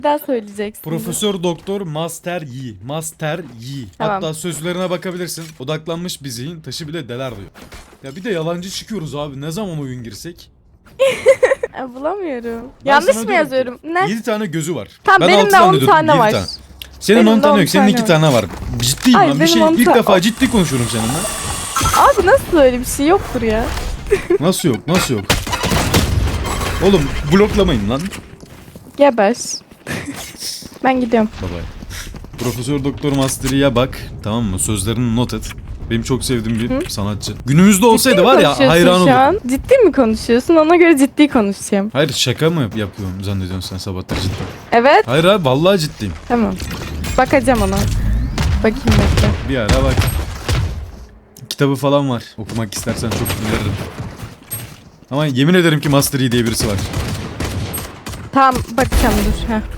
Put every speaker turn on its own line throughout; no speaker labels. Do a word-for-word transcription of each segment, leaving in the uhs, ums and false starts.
Bir daha söyleyeceksin.
Profesör Doktor Master Yi. Master Yi.
Tamam.
Hatta sözlerine bakabilirsin. Odaklanmış bir zihin taşı bile deler diyor. Ya bir de yalancı çıkıyoruz abi. Ne zaman oyun girsek?
E, bulamıyorum.
Ben
Yanlış
sana
mı
diyorum
yazıyorum?
ki,
Ne?
yedi tane gözü var.
Tamam, benim
altı
de on
zannediyordum,
tane
yedi
var.
Senin
Benim
on
de
tane
on
yok. Senin
tane
iki
var.
tane var. Ciddiyim
Ay,
lan. Bir
benim
şey
on
ilk
tane-
defa ciddi konuşuyorum seninle.
Abi nasıl öyle bir şey yoktur ya?
Nasıl yok? Nasıl yok? Oğlum bloklamayın lan.
Geber. Ben gidiyorum.
Bye bye. Profesör Doktor Master'ya bak. Tamam mı? Sözlerini not et. Benim çok sevdiğim bir sanatçı. Günümüzde olsaydı
Ciddi mi
var ya
konuşuyorsun
hayran
şu
olurdum.
an? Ciddi mi konuşuyorsun? Ona göre ciddi konuşacağım.
Hayır şaka mı yapıyorum zannediyorsun sen sabahları cidden?
Evet.
Hayır abi vallahi ciddiyim.
Tamam. Bakacağım ona. Bakayım bekle.
Bir ara bak. Kitabı falan var. Okumak istersen çok öneririm. Ama yemin ederim ki Master Yi diye birisi var.
Tamam bakacağım dur. Heh.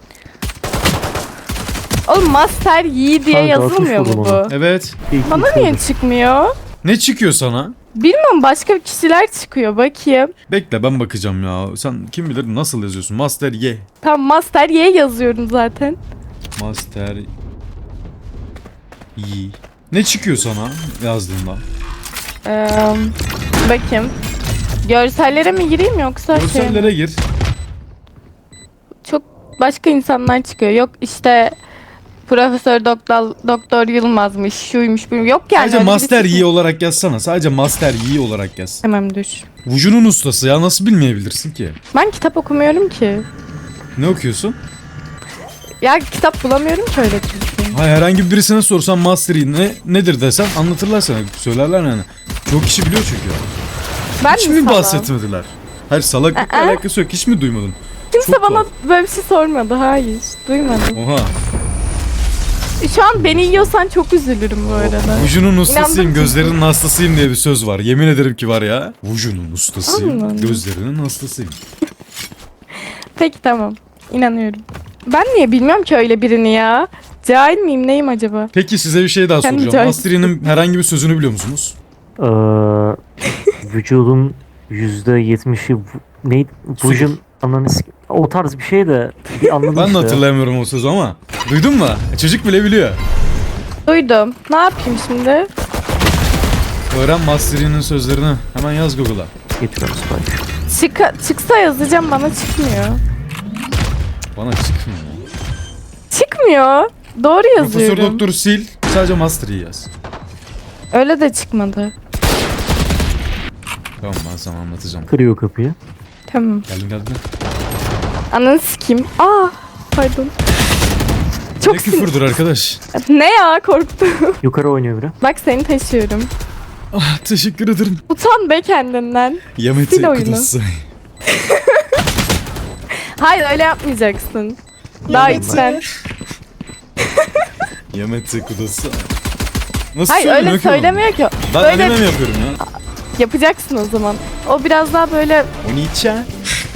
Oğlum Master Yi diye
Kanka,
yazılmıyor
atmış
mu
buldum
bu?
Evet.
İlk
Bana
ilk
niye
oldu.
çıkmıyor?
Ne çıkıyor sana?
Bilmiyorum, başka kişiler çıkıyor, bakayım.
Bekle ben bakacağım ya. Sen kim bilir nasıl yazıyorsun? Master Yi.
Tam Master Y yazıyorum zaten.
Master Yi. Ne çıkıyor sana yazdığında?
Ee, bakayım. Görsellere mi gireyim yoksa şey mi?
Görsellere gir.
Çok başka insanlar çıkıyor. Yok işte Profesör Doktor Doktor Yılmaz'mış, şuymuş, buymuş. Yok yani.
Sadece
öyle
Master
birisi
Yi
çıkmıyor.
olarak yazsana. Sadece Master Yi olarak yaz.
Tamam dur.
Vucu'nun ustası ya nasıl bilmeyebilirsin ki?
Ben kitap okumuyorum ki.
Ne okuyorsun?
Ya kitap bulamıyorum ki öyle çünkü.
Hayır herhangi birisine sorsan Master Yi ne, nedir desen anlatırlar sana. Söylerler yani. Çok kişi biliyor çünkü.
Ben
Hiç
mi
mi
salağım?
bahsetmediler? Hayır salaklıkla
Aa.
alakası yok. Hiç mi duymadın?
Kimse
Çok
bana
tuhaf.
böyle bir şey sormadı. Hayır. Duymadım.
Oha.
Şu an beni yiyorsan çok üzülürüm bu arada.
Vucu'nun ustasıyım,
İnandım
gözlerinin hastasıyım diye bir söz var. Yemin ederim ki var ya. Vucu'nun ustasıyım,
Allah Allah.
gözlerinin hastasıyım.
Peki tamam. İnanıyorum. Ben niye bilmiyorum ki öyle birini ya? Cahil miyim, neyim acaba?
Peki size bir şey daha
Kendi
soracağım.
cahil-
Master Yi'nin herhangi bir sözünü biliyor musunuz?
Ee, vücudun yüzde yetmişi vu- neydi? Vücudun ananı sik- o tarz bir şey de bir anladım
Ben de
işte.
hatırlayamıyorum o sözü ama. Duydun mu? Çocuk bile biliyor.
Duydum. Ne yapayım şimdi?
Öğren Master Yi'nin sözlerini. Hemen yaz Google'a.
Getiriyorum Spike.
Çıka, çıksa yazacağım, bana çıkmıyor.
Bana çıkmıyor.
Çıkmıyor. Doğru
Profesör
yazıyorum.
Doktor sil. Sadece Master Yi yaz.
Öyle de çıkmadı.
Tamam ben sana anlatacağım.
Kırıyor kapıyı.
Tamam.
Geldim geldim.
Ananı sikeyim. Aa, pardon. Çok
Ne
sin-
küfürdür arkadaş.
Ne ya, korktum.
Yukarı oynuyor biri.
Bak seni taşıyorum.
Ah, teşekkür ederim.
Utan be kendinden.
Yamete
Sil oyunu.
kudası.
Hayır, öyle yapmayacaksın. Daha
Yapma.
içten.
Yamete kudası. Nasıl
Hayır
söyleniyor
öyle
ki oğlum?
söylemiyor ki.
Ben
Böyle
anime mi yapıyorum ya?
yapacaksın o zaman. O biraz daha böyle
Onicha.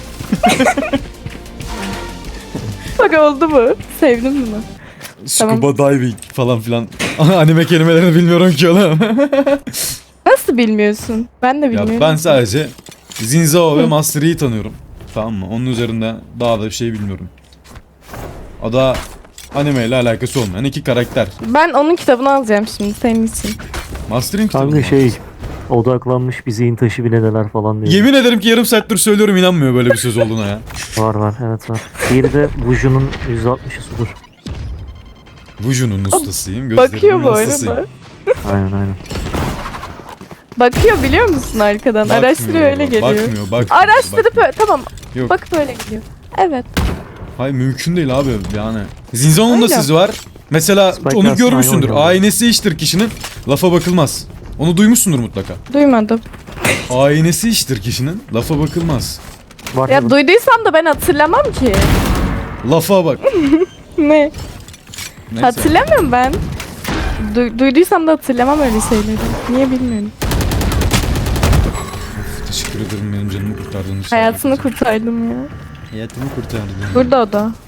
bak oldu mu? Sevdin mi?
Scuba diving falan filan. Anime kelimelerini bilmiyorum ki oğlum.
Nasıl bilmiyorsun? Ben de bilmiyorum.
Ya ben sadece Zinzao ve Master Yi'yi tanıyorum. Tamam mı? Onun üzerinde daha da bir şey bilmiyorum. O da anime ile alakası olmayan iki karakter.
Ben onun kitabını alacağım şimdi senin için.
Master'in kitabı.
Kanka
mı?
şey odaklanmış bir zihin taşı bile neler falan diyor.
Yemin ederim ki yarım saattir söylüyorum inanmıyor böyle bir söz olduğuna ya.
Var var evet var. Diğeri de Vucu'nun yüzde altmışı sudur.
Vuju'nun ustasıyım,
Bakıyor
gözlerimin
bu
hastasıyım.
arada.
Aynen aynen.
Bakıyor biliyor musun arkadan?
Bakmıyor,
Araştırıyor öyle geliyor.
Bakmıyor, bakmıyor.
Araştırıp
bakmıyor.
öyle, tamam.
Yok.
Bakıp öyle gidiyor. Evet.
Hayır mümkün değil abi yani. Zinzao'nun da
Öyle.
sözü var. Mesela
Spike
onu
aslında
görmüşsündür.
aynı oynuyor.
Aynesi iştir kişinin, lafa bakılmaz. Onu duymuşsundur mutlaka.
Duymadım.
Aynesi iştir kişinin, lafa bakılmaz.
Var
Ya
mı?
duyduysam da ben hatırlamam ki.
Lafa bak.
Ne?
Neyse.
Hatırlamıyorum ben. Du- duyduysam da hatırlamam öyle şeyleri. Niye bilmiyorum.
Teşekkür ederim benim canımı kurtardığın için.
Hayatını kurtardım ya.
Hayatımı kurtardın.
Burada o da.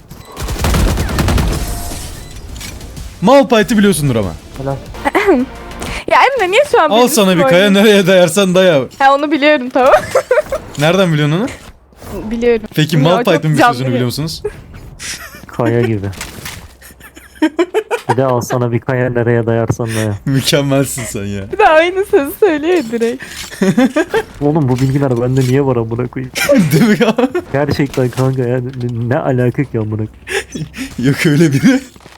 Malphite'i biliyorsundur ama.
Helal.
Ya Emre niye şu an
Al
benim
sana bir
üstüme
kaya
oynuyorsun?
nereye dayarsan daya.
Ha onu biliyorum tamam.
Nereden biliyorsun onu?
Biliyorum.
Peki
Ya, çok
Malphite'ın bir
canlı
sözünü
ya.
biliyor musunuz?
Kaya gibi. Bir de al sana bir kaya, nereye dayarsan daya.
Mükemmelsin sen ya.
Bir de aynı sözü söylüyor ya direkt.
Oğlum bu bilgiler bende niye var amına koyayım?
Değil mi ya?
Gerçekten kanka ya, ne, ne alaka ki amına koyayım?
Yok öyle biri.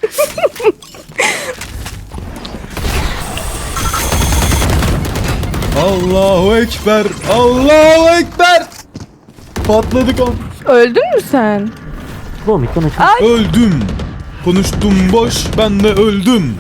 Allahu Ekber. Allahu Ekber. Patladık an.
Öldün mü sen?
Oğlum mikron açın.
Ay.
Öldüm. Konuştum boş, ben de öldüm.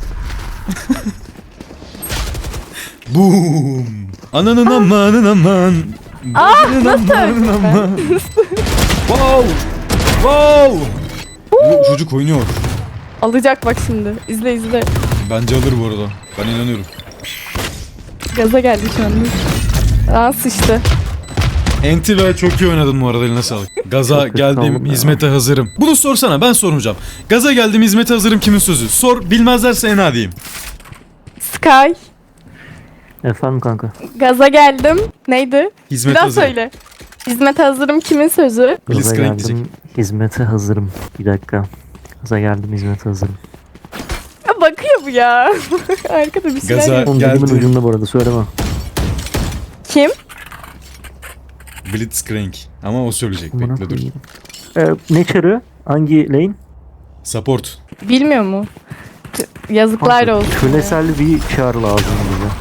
Boom. Ananın amanın aman.
Ah,
Bacının
nasıl
amanın
öldüm
aman. Wow. Wow. Bu çocuk oynuyor.
Alacak bak şimdi. İzle izle.
Bence alır bu arada. Ben inanıyorum.
Gaza geldi şu anda. Aa sıçtı.
Enti ve çok iyi oynadın bu arada, eline sağlık. Gaza
Çok kötü
geldim,
oldum ya.
hizmete hazırım. Bunu sorsana, ben sormayacağım. Gaza geldim, hizmete hazırım kimin sözü? Sor, bilmezlerse en diyeyim.
Sky.
Efendim kanka.
Gaza geldim. Neydi? Bir
Hizmete
daha
hazırım.
söyle. Hizmete hazırım kimin sözü?
Blitzcrank
Gaza geldim,
diyecek.
hizmete hazırım. Bir dakika. Gaza geldim, hizmete hazırım.
Ya bakıyor bu ya. Arkada bir şeyler
Gaza-
yapıyor.
Oğlum dilimin
geldim.
ucunda bu arada, söyleme.
Kim?
Blitzcrank. Ama o söyleyecek,
Amına
bekle dur.
koyayım. Ee, ne çarı? Hangi lane?
Support.
Bilmiyor mu? T- Yazıklar
Kanka,
olsun. ya.
Kölesel bir çağrı lazım bize.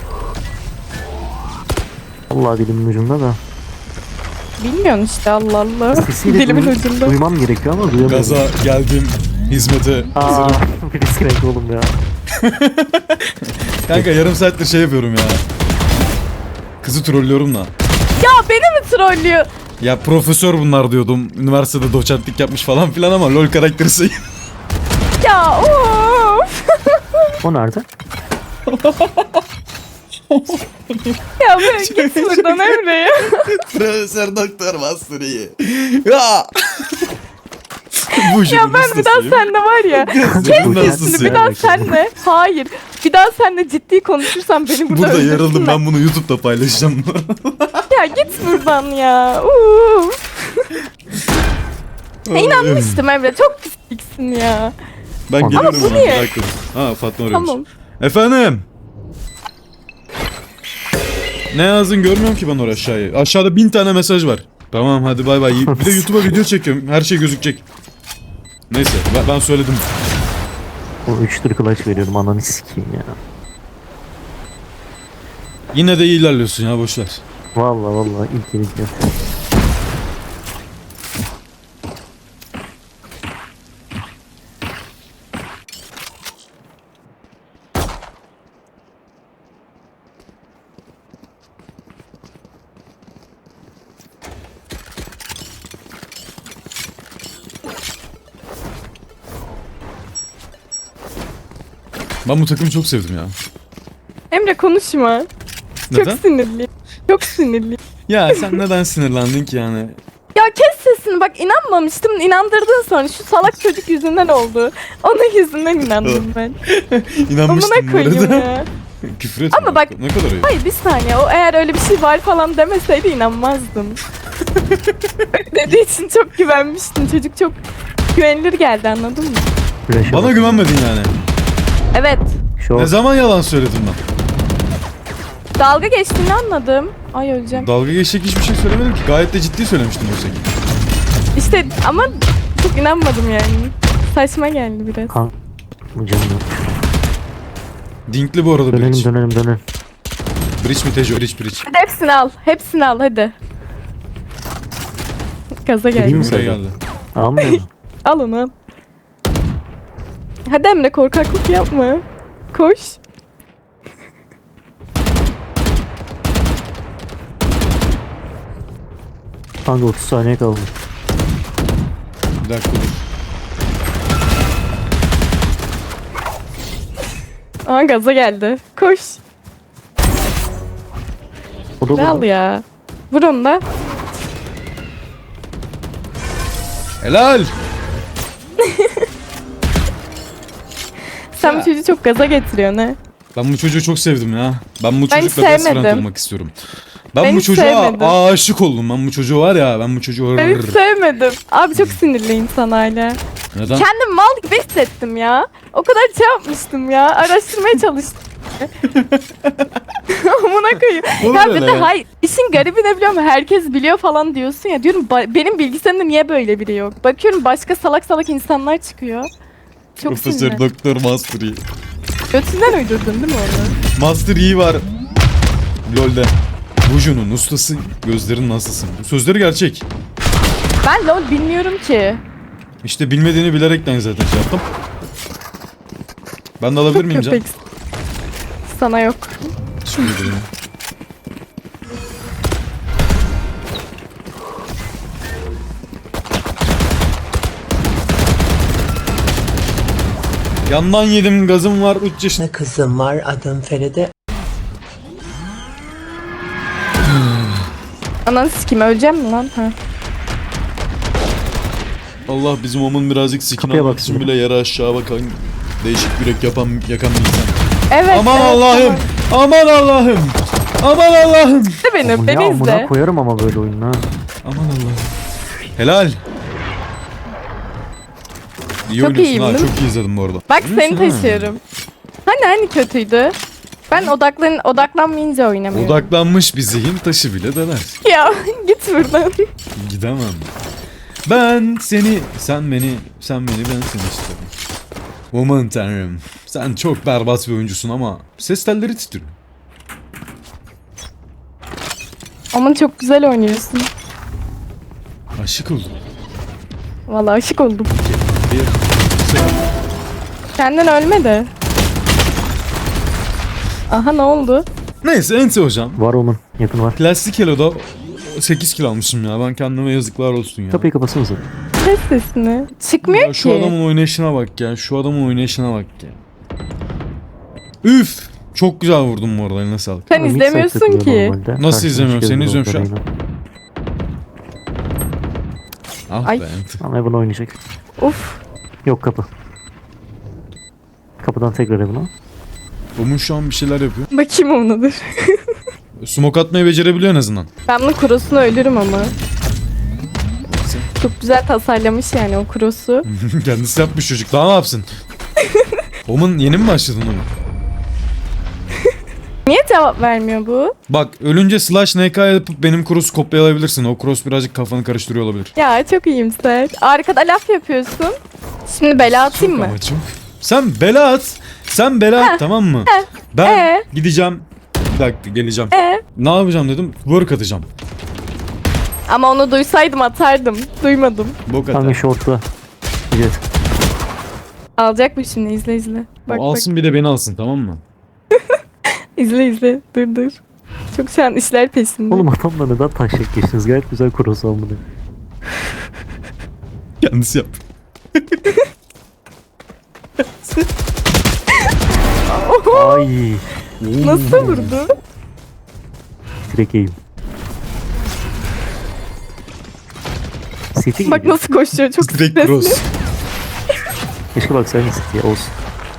Allah dilimin ucunda da.
Bilmiyorsun işte Allah Allah.
Sesiyle
Dilimin
duy-
ucunda.
duymam gerekiyor ama duyamıyorum.
Gaza geldim, hizmete
Aa,
hazırım.
Blitzcrank oğlum ya.
Kanka yarım saattir şey yapıyorum ya. Kızı trollüyorum da.
Ya beni mi trollüyor?
Ya profesör bunlar diyordum. Üniversitede doçentlik yapmış falan filan ama LoL karakteri sayı.
Ya of.
O nerede?
Ya böyle git buradan Emre ya.
Profesör doktor Master'ı. Ya. Bu
Ya ben bir daha senle var ya. Kes
Bunun
sesini
hastası
bir
ya.
daha senle. Hayır. Bir daha senle ciddi konuşursam beni burada
Burada yarıldım,
öldürsünler.
ben bunu YouTube'da paylaşacağım.
Ya git buradan ya. Uf. Ya inanmıştım Emre. Çok pisliksin ya.
Ben
Ama
geliyorum
bu
ona.
niye?
Bir dakika. Ha Fatma arıyormuş.
Tamam.
Efendim. Ne yazdın görmüyorum ki ben oraya aşağıya. Aşağıda bin tane mesaj var. Tamam hadi bay bay. Bir de YouTube'a video çekiyorum. Her şey gözükecek. Neyse ben, ben söyledim.
O üçtür kılıç veriyorum, ananı sikeyim ya.
Yine de iyi ilerliyorsun ya, boşver.
Valla valla ilk ilk ya.
Ben bu takımı çok sevdim ya.
Emre konuşma.
Neden?
Çok sinirli. Çok sinirli.
Ya sen neden sinirlendin ki yani?
Ya kes sesini bak, inanmamıştım, inandırdın sonra şu salak çocuk yüzünden oldu. Onun yüzünden inandım ben.
İnanmıştım
Amına
bu
koyayım
arada.
ya.
Küfür etme.
Ama bak-
Ne kadar iyi.
Hayır bir saniye, o eğer öyle bir şey var falan demeseydi inanmazdım. Dediği için çok güvenmiştim, çocuk çok güvenilir geldi, anladın mı?
Flash'a
Bana
bak.
güvenmedin yani.
Evet,
Şu
Ne zaman yalan söyledim ben?
dalga geçtiğini anladım. Ay öleceğim.
Dalga geçecek hiçbir şey söylemedim ki. Gayet de ciddi söylemiştim oysa ki.
İşte ama çok inanmadım yani. Saçma geldi biraz.
kan bu canım yok.
Dinkli bu arada
Dönelim
bridge.
dönelim dönelim.
Bridge mi Tejo? Bridge bridge.
Hadi hepsini al, hepsini al hadi. Gaza
Gireyim
geldim.
mi?
Buraya
Sayın.
geldi.
Almıyor mu?
Al onu al. Hadi Emre, korkaklık yapma. Koş.
Kanka otuz saniye kaldı.
Bir dakika dur.
Aa gaza geldi. Koş.
O da
Ne al
burada.
ya. Vur onu da.
Helal.
Sen bu çocuğu çok gaza getiriyorsun ha.
Ben bu çocuğu çok sevdim ya. Ben bu
Ben
çocukla
hiç
best friend
sevmedim.
olmak istiyorum. Ben,
Ben
bu
hiç
çocuğa
sevmedim.
aşık oldum. Ben bu çocuğu var ya, ben bu çocuğu...
Ben hiç sevmedim. Abi çok sinirliyim sana hala.
Neden?
Kendim mal gibi hissettim ya. O kadar şey yapmıştım ya. Araştırmaya çalıştım. Amına koyayım.
Olur
Ya bir
öyle
de
ya.
hayır. İşin garibi ne biliyor musun? Herkes biliyor falan diyorsun ya. Diyorum ba- benim bilgisayarımda niye böyle biri yok? Bakıyorum başka salak salak insanlar çıkıyor. Çok
Profesör
sinirli.
Doktor Master Yi.
Götünden uydurdun değil mi onu?
Master Yi var. LoL'de. Buju'nun ustası, gözlerin nasılsın? Bu sözleri gerçek.
Ben LoL bilmiyorum ki.
İşte bilmediğini bilerekten zaten şey yaptım. Ben de alabilir miyim Can?
Köpek. Sana yok.
Teşekkür ederim. Yandan yedim, gazım var, üç yaşında.
Ne kızım var, adım Feride.
Ananı sikeyim, öleceğim mi lan? Ha.
Allah bizim onun birazcık sikini
Kapıya
almak
bak
için
şimdi.
bile yere aşağı bakan, değişik yürek yapan, yakan bir insan.
Evet.
Aman
evet,
Allah'ım! Aman Allah'ım! Aman Allah'ım!
İzle beni,
Ama ya
beni
amına
izle.
koyarım ama böyle oyun ha.
Aman Allah'ım. Helal. İyi
Çok
oynuyorsun
iyiyim,
ha,
değil mi?
çok iyi izledim bu arada.
Bak
Oynuyorsun
seni
ha.
taşıyorum. Hani hani kötüydü? Ben odaklan odaklanmayınca oynamıyorum.
Odaklanmış bir zihin taşı bile deler.
Ya git buradan.
Gidemem. Ben seni, sen beni, sen beni, ben seni istedim. Aman tanrım. Sen çok berbat bir oyuncusun ama ses telleri titriyor.
Aman çok güzel oynuyorsun.
Aşık oldum.
Vallahi aşık oldum.
Bir, iki,
Senden ölme de. Aha ne oldu?
Neyse Ente hocam.
Var onun. Yakın var.
Plastik kiloda sekiz kilo almışım ya. Ben kendime yazıklar olsun ya.
Kapıyı kapatsanıza.
Ses sesini. Çıkmıyor
Ya şu
ki.
adamın oynayışına bak ya. Şu adamın oynayışına bak ya. Üf! Çok güzel vurdum bu arada, eline sağlık.
Sen
Mix
izlemiyorsun
takılıyor
ki.
normalde.
Nasıl
Karşıma
izlemiyorum?
çıkıyor
Seni
bu
izliyorum şu an.
yine.
Ah
Ay.
be Ente.
Ama Evan oynayacak.
Of.
Yok kapı. Kapıdan tekrar Evan'a.
Omun şu an bir şeyler yapıyor.
Bakayım onadır.
Smoke atmayı becerebiliyor en azından.
Ben bunun kurosunu ölürüm ama. Çok güzel tasarlamış yani o kurosu.
Kendisi yapmış çocuk. Daha ne yapsın? Omun yeni mi başladın oğlum?
Niye cevap vermiyor bu?
Bak ölünce slash N K yapıp benim cross'u kopyalayabilirsin. O cross birazcık kafanı karıştırıyor olabilir.
Ya çok iyimser. Arkada laf yapıyorsun. Şimdi bela atayım
Çok
mı?
ama çok. Sen bela at. Sen bela at, tamam mı? Ben
Ee?
gideceğim. Bir dakika geleceğim.
Ee?
Ne yapacağım dedim? Work atacağım.
Ama onu duysaydım atardım. Duymadım.
Bok
Kanka
atar.
short'ta. Evet.
Alacak mı şimdi? İzle izle. Bak
O alsın bir de beni alsın, tamam mı?
bak. İzle izle. Dur dur. Çok şu an işler peşinde.
Oğlum adamla neden taşak geçtiniz? Gayet güzel cross almadı.
Kendisi yap.
Ay.
Nasıl vurdu?
Direkt eğim. City
Bak
gibi.
nasıl koşuyor. Çok
Direkt
stresli.
cross.
Keşke baksaydın City'ye olsun.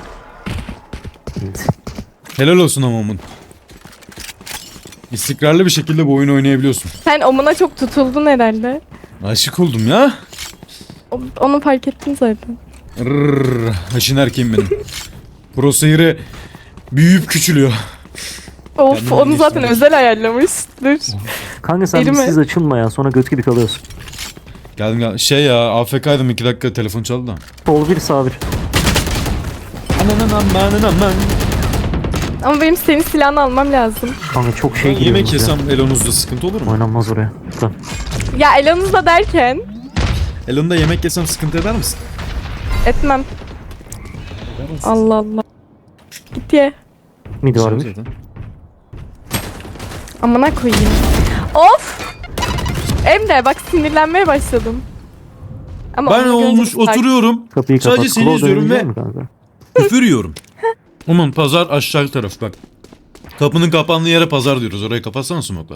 Evet.
Helal olsun ama Omun. İstikrarlı bir şekilde bu oyunu oynayabiliyorsun.
Sen omuna çok tutuldun herhalde.
Aşık oldum ya.
O- Onu fark ettim zaten.
Rrrr, haşin erkeğim benim. Crosshair'ı büyüyüp küçülüyor.
Of
Kendini
onu zaten
geliştirmiş.
özel ayarlamış. Dur.
Kanka sen
Deli
bir
mi?
siz açılma ya, sonra göt gibi kalıyorsun.
Geldim gel. Şey ya A F K'ydım iki dakika telefon çaldı da.
Sol bir sağ bir.
Anan aman aman aman.
Ama benim senin silahını almam lazım.
Kanka çok şey
Ben
giriyor.
yemek
yalnız ya.
yesem Elon'uzda sıkıntı olur mu?
Oynanmaz oraya. Lütfen.
Ya elanızda derken
Elon'da yemek yesem sıkıntı eder misin?
etmem. Allah Allah. Git ye.
Midi var bir.
Zaten.
Amına koyayım. Of! Emre bak sinirlenmeye başladım. Ama
Ben
onu görünce
olmuş
bir sakin-
oturuyorum.
Kapıyı
Sadece
kapat.
seni
Claw
izliyorum
dönebilecek
ve-
mi kanka?
Küfür yiyorum. Aman pazar aşağı taraf bak. Kapının kapandığı yere pazar diyoruz. Orayı kapatsana smoke'la.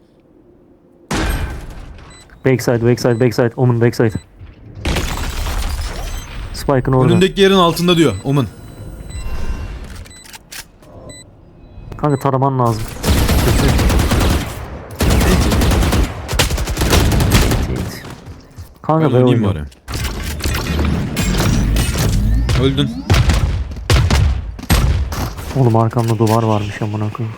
Backside, backside, backside. Omen backside. Spike'ın orada.
Önündeki yerin altında diyor Omen.
Kanka taraman lazım. Kanka
Ben
ben
oynayayım
oynuyorum.
bari. Öldün.
Oğlum arkamda duvar varmış amına koyayım.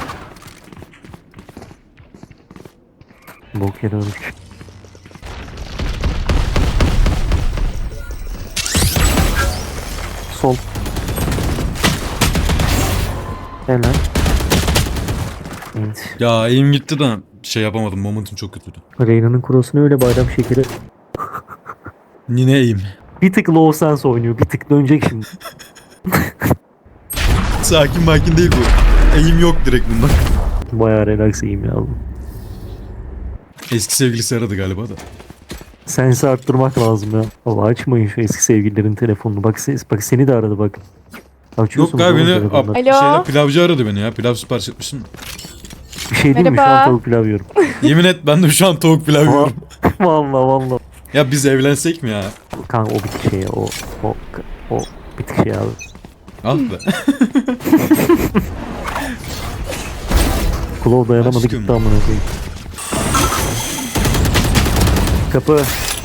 Bok yere öldük. Sol. Helal. Evet.
Ya eğim gitti de şey yapamadım. Momentum çok kötüydü.
Reyna'nın kurosunu öyle bayram şekeri.
Yine eğim.
Bir tık low sense oynuyor. Bir tık dönecek şimdi.
Sakin makin değil bu. Eğim yok direkt bundan.
Bayağı relax iyiyim ya.
Eski sevgilisi aradı galiba da.
Sensi arttırmak lazım ya. Baba açmayın şu eski sevgililerin telefonunu. Bak, ses, bak seni de aradı bak.
Yok
Açıyorsunuz
galiba
oğlum
beni
telefonları.
ab,
Alo?
şeyler, pilavcı aradı beni ya. Pilav sipariş etmişsin.
Bir şey değil mi? Şu an
Merhaba.
tavuk pilav yiyorum.
Yemin et ben de şu an tavuk pilav yiyorum.
Valla valla.
Ya biz evlensek mi ya?
Kanka o bir tık şey ya. O, o, o bir tık şey abi.
Ah be.
Kulağı dayanamadı
Aşkım.
gitti amına koyayım. Kapı.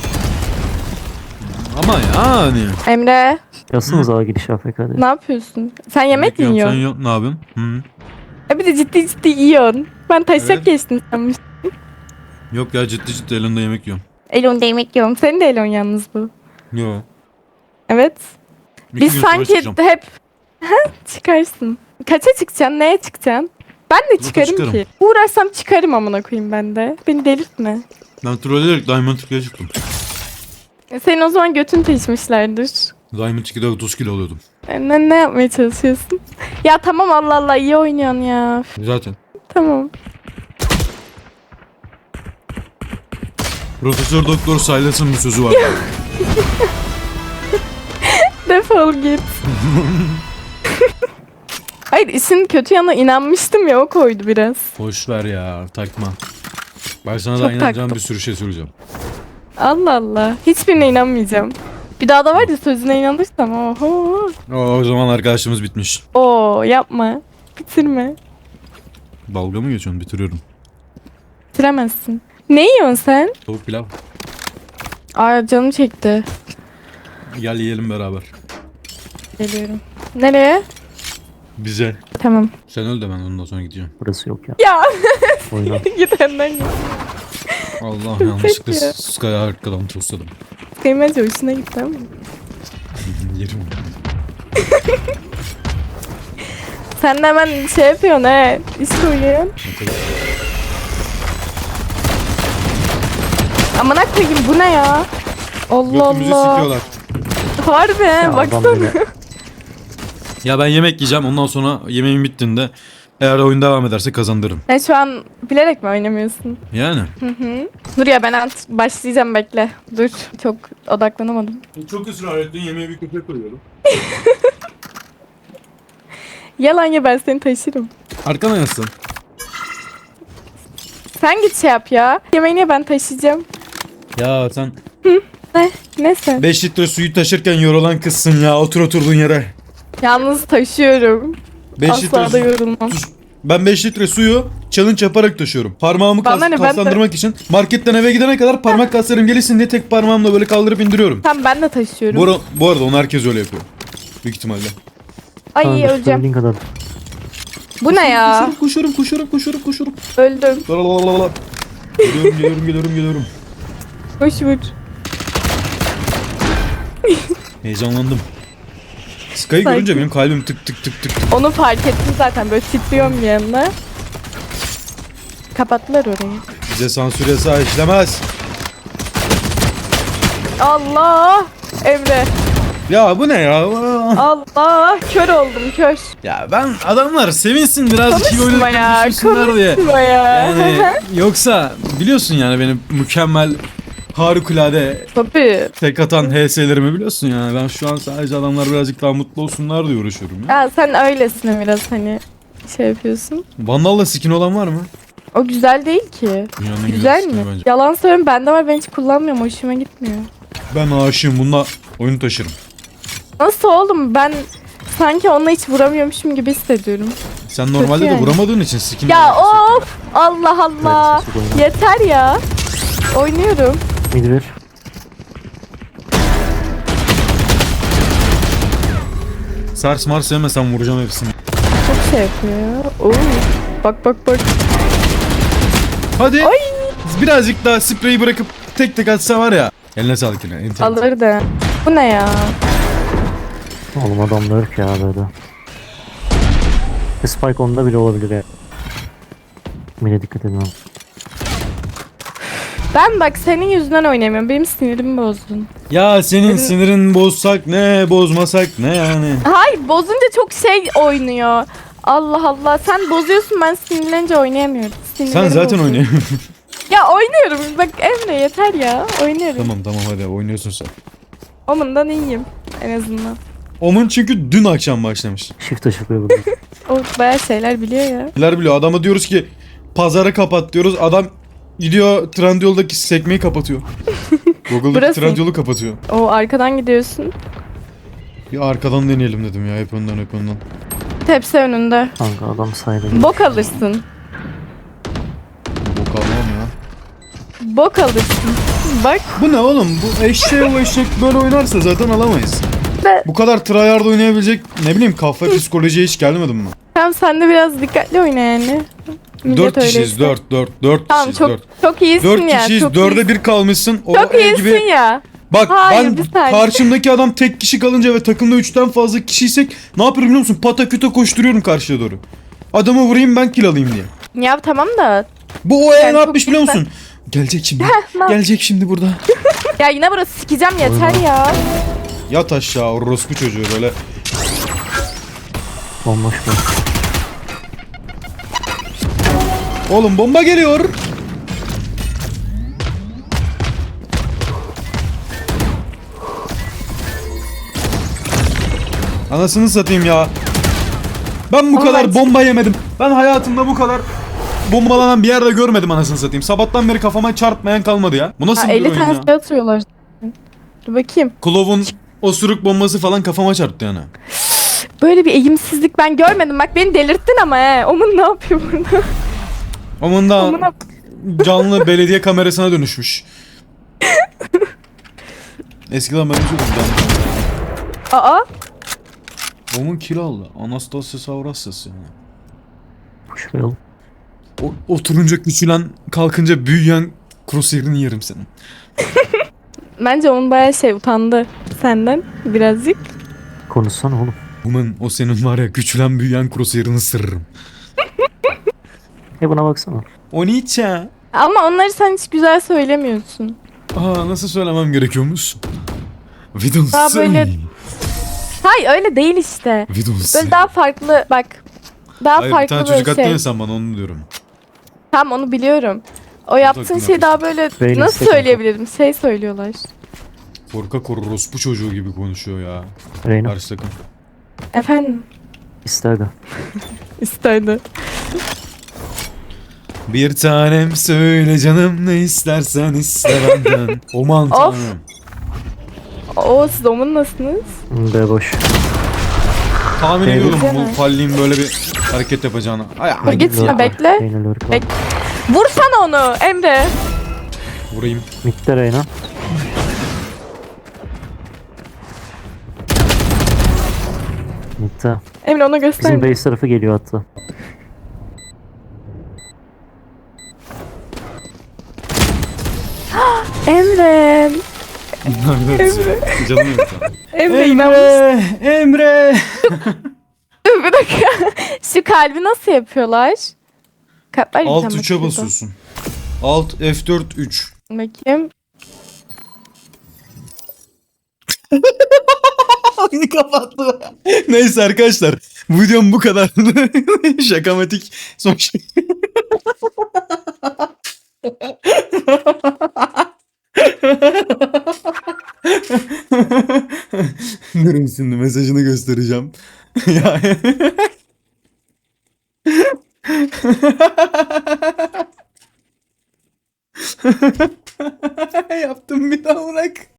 Ama yani.
Emre
Yazsınız ağa giriş A F K diye.
ne yapıyorsun? Sen yemek mi
Bekliyorum,
yiyorsun?
Sen yok, ne yapıyorsun? Hı.
E bir de ciddi ciddi yiyorsun. Ben taşak
Evet.
geçtim sanmıştım.
Yok ya ciddi ciddi elinde yemek yiyorum.
Elon yemek yiyorum. Senin de Elon yalnız bu.
Yo.
Evet.
İki
Biz
gün sonra
sanki
çıkacağım.
hep ha, çıkarsın. Kaça çıkacaksın? Neye çıkacaksın? Ben de çıkarım
çıkarım.
ki. Uğraşsam çıkarım amına koyayım ben de. Beni delirtme.
Ben trolleyerek Diamond ikiye çıktım.
E, Senin o zaman götün taşımışlardır.
Diamond ikide otuz kilo alıyordum.
E, Ne, ne yapmaya çalışıyorsun? Ya tamam Allah Allah iyi oynuyorsun ya. Üf,
Zaten.
Tamam.
Profesör Doktor Silas'ın bir sözü var.
Defol git. Hayır işin kötü yanına inanmıştım ya o koydu biraz.
Boş ver ya takma. Ben sana
Çok
daha inanacağım
taktım.
bir sürü şey söyleyeceğim.
Allah Allah. Hiçbirine inanmayacağım. Bir daha da var ya sözüne inanırsam oho.
O, o zaman arkadaşımız bitmiş.
Oo yapma. Bitirme.
Dalga mı geçiyorsun? Bitiriyorum.
Bitiremezsin. Ne yiyorsun sen?
Tavuk pilav.
Aa canım çekti.
Gel yiyelim beraber.
Geliyorum. Nereye?
Bize.
Tamam.
Sen öl de ben ondan sonra gideceğim.
Burası yok ya.
Ya
Oyna.
git önden git.
Allah yanlışlıkla
Peki.
Sky'a arkadan tosladım.
Kıymacı hoşuna gitti ama.
Yerim onu.
Sen de hemen şey yapıyorsun he. İş koyuyorsun.
Ne kadar-
Amına koyayım bu ne ya? Allah
Götümüzü
Allah.
sikiyorlar.
Harbi
Ya adam
baksana.
böyle-
Ya ben yemek yiyeceğim ondan sonra yemeğim bittiğinde eğer oyun devam ederse kazandırırım.
Sen şu an bilerek mi oynamıyorsun?
Yani.
Hı hı. Dur ya ben ant başlayacağım bekle. Dur çok odaklanamadım.
Çok ısrar ettin yemeğe bir köpek koyuyorum.
Yalan ya ben seni taşırım.
Arkana yansın.
Sen git şey yap ya. Yemeğini ben taşıyacağım.
Ya sen
Ne? Ne sen?
beş litre suyu taşırken yorulan kızsın ya otur oturduğun yere.
Yalnız taşıyorum.
beş
Asla
litre
da
su-
yorulmam.
Sus. Ben beş litre suyu challenge yaparak taşıyorum. Parmağımı kas,
Bana ne, ben de-
kaslandırmak için marketten eve gidene kadar parmak kaslarım gelişsin diye tek parmağımla böyle kaldırıp indiriyorum.
Tamam ben de taşıyorum.
Bu, ara- bu arada onu herkes öyle yapıyor. Büyük ihtimalle.
Ay
Kanka,
öleceğim.
söylediğin kadar.
Bu ne ya?
Koşuyorum koşuyorum koşuyorum koşuyorum.
Öldüm.
Lalalala. Geliyorum geliyorum geliyorum geliyorum.
Boş vur.
Heyecanlandım. Sky'ı
Sakin.
görünce benim kalbim tık tık tık tık tık.
Onu fark ettim zaten böyle titriyorum bir yanına. Kapattılar orayı.
Bize sansür yasağı işlemez.
Allah! Emre.
Ya bu ne ya?
Allah! Kör oldum kör.
Ya ben adamlar sevinsin birazcık iyi
Konuşma ya.
oynadık düşünsünler diye.
Konuşma ya.
Yani yoksa biliyorsun yani benim mükemmel harikulade
Tabii.
tek atan H S'lerimi biliyorsun yani. Ben şu an sadece adamlar birazcık daha mutlu olsunlar diye uğraşıyorum ya.
Ya sen öylesin biraz hani şey yapıyorsun.
Vandal'la skin olan var mı?
O güzel değil ki.
Dünyanın en
Güzel
skini
mi?
bence.
Yalan söylüyorum bende var ben hiç kullanmıyorum hoşuma gitmiyor.
Ben aşığım bununla oyunu taşırım.
Nasıl oğlum ben sanki onunla hiç vuramıyormuşum gibi hissediyorum.
Sen normalde de
yani.
vuramadığın için skin.
Ya of! Allah Allah!
Neredesin? Oyna.
Yeter ya. Oynuyorum.
Midi ver.
Sars mars yemesem vuracağım hepsini.
Çok şey yapıyor ya. Oo. Bak bak bak.
Hadi. Birazcık daha spreyi bırakıp tek tek atsa var ya. Eline sağlık yine. enter.
Alır da. Bu ne ya?
Oğlum adamlar yok ya böyle. Spike onda bile olabilir ya. Mine dikkat edin abi.
Ben bak senin yüzünden oynayamıyorum. Benim sinirimi bozdun.
Ya senin sinirin bozsak ne, bozmasak ne yani.
Hayır bozunca çok şey oynuyor. Allah Allah sen bozuyorsun ben sinirlenince oynayamıyorum.
Sen
Sinirlerim
zaten
bozuyor.
oynuyorsun.
Ya oynuyorum. Bak Emre yeter ya. Oynuyorum.
Tamam tamam hadi oynuyorsun sen.
Omundan iyiyim en azından.
Omun çünkü dün akşam başlamış.
Shift açılıyor burada.
O bayağı şeyler biliyor ya.
Neler biliyor, adama diyoruz ki pazara kapat diyoruz, adam gidiyor Trendyol'daki sekmeyi kapatıyor. Google'daki
Burası.
Trendyol'u kapatıyor.
O arkadan gidiyorsun.
Bir arkadan deneyelim dedim ya, hep önden hep önden.
Tepsi önünde.
Kanka adam saydı.
Bok alırsın.
Bok almam ya.
Bok alırsın. Bak.
Bu ne oğlum, bu eşeğe o eşek böyle oynarsa zaten alamayız.
Be-
Bu kadar tryhard oynayabilecek ne bileyim kafa psikolojiye hiç gelmedim mi?
Tamam sen de biraz dikkatli oyna yani. Millet
Dört kişiyiz,
öyleyse.
dört, dört, dört
Tamam
kişiyiz,
çok
dört.
çok iyisin
Dört
ya.
kişiyiz,
çok
dörde
iyisin.
bir kalmışsın. O
Çok
el
iyisin
gibi.
ya.
Bak
Hayır,
ben
bir saniye.
karşımdaki adam tek kişi kalınca ve takımda üçten fazla kişiysek ne yapıyorum biliyor musun? Pataküte koşturuyorum karşıya doğru. Adamı vurayım ben kill alayım diye.
Ya tamam da.
Bu o el
Yani
ne
çok
yapmış biliyor
güzel.
musun? Gelecek şimdi.
ne-
Gelecek şimdi burada.
Ya yine burası sikeceğim yeter ya.
Yat aşağı orospu çocuğu böyle.
Bomboş bu.
Oğlum bomba geliyor. Anasını satayım ya. Ben bu
Ama
kadar
ben-
bomba yemedim. Ben hayatımda bu kadar bombalanan bir yerde görmedim anasını satayım. Sabahtan beri kafama çarpmayan kalmadı ya. Bu nasıl
Ha,
bir
elli
oyun
tane
ya?
şey atıyorlar. Dur bakayım.
Klov'un osuruk bombası falan kafama çarptı yani.
Böyle bir eğimsizlik ben görmedim. Bak beni delirttin ama he. Omun ne yapıyor burada?
Onun da
Amına-
canlı belediye kamerasına dönüşmüş. Eskiden ben çok canlı.
Aa.
Onun kill aldı. Anastasia Savrasas yani.
Şuraya al.
O, oturunca küçülen, kalkınca büyüyen crosshair'ini yerim senin.
Bence onun bayağı şey utandı senden birazcık.
Konuşsana oğlum.
Woman, o senin var ya küçülen büyüyen crosshair'ını sırrım.
E buna baksana.
O niçe?
Ama onları sen hiç güzel söylemiyorsun.
Aa, nasıl söylemem gerekiyormuş? We don't
Daha
say.
böyle- Hayır öyle değil işte.
We don't say.
Böyle daha farklı bak. Daha
Hayır bir
farklı
tane
böyle
çocuk attın
şey.
ya sen bana onu diyorum.
Tamam onu biliyorum. O yaptığın
takım
şey daha böyle
Benim
nasıl
istek
söyleyebilirim? Şey söylüyorlar.
Korkak orospu çocuğu gibi konuşuyor ya.
Reyna
Karşı takım.
Efendim
ister de.
isterdi.
Bir tanem söyle canım ne istersen iste benden. Aman
Of.
tanrım.
Oo siz omun nasılsınız?
B boş.
Tahmin
Benim-
ediyordum
Güzel.
bu falliğin böyle bir hareket yapacağını. Ay,
Dur
ay,
git
Lurk var.
bekle.
Reyna lurk var.
Bek- Vursana onu Emre.
vurayım.
Mid'de Reyna. Mid'de.
Emre ona göster.
Bizim base tarafı geliyor hatta.
Emre.
Canım yok.
Emre inanmış.
Emre.
Bir dakika. Şu kalbi nasıl yapıyorlar? Kalpler bir
Alt
tane
üçe
bakıyordu.
basıyorsun. Alt F dört üç.
Bakayım.
Oyunu kapattı. Neyse arkadaşlar. Bu videom bu kadar. Şakamatik son şey. Durun şimdi mesajını göstereceğim. Ya. Yaptım bir daha bırak.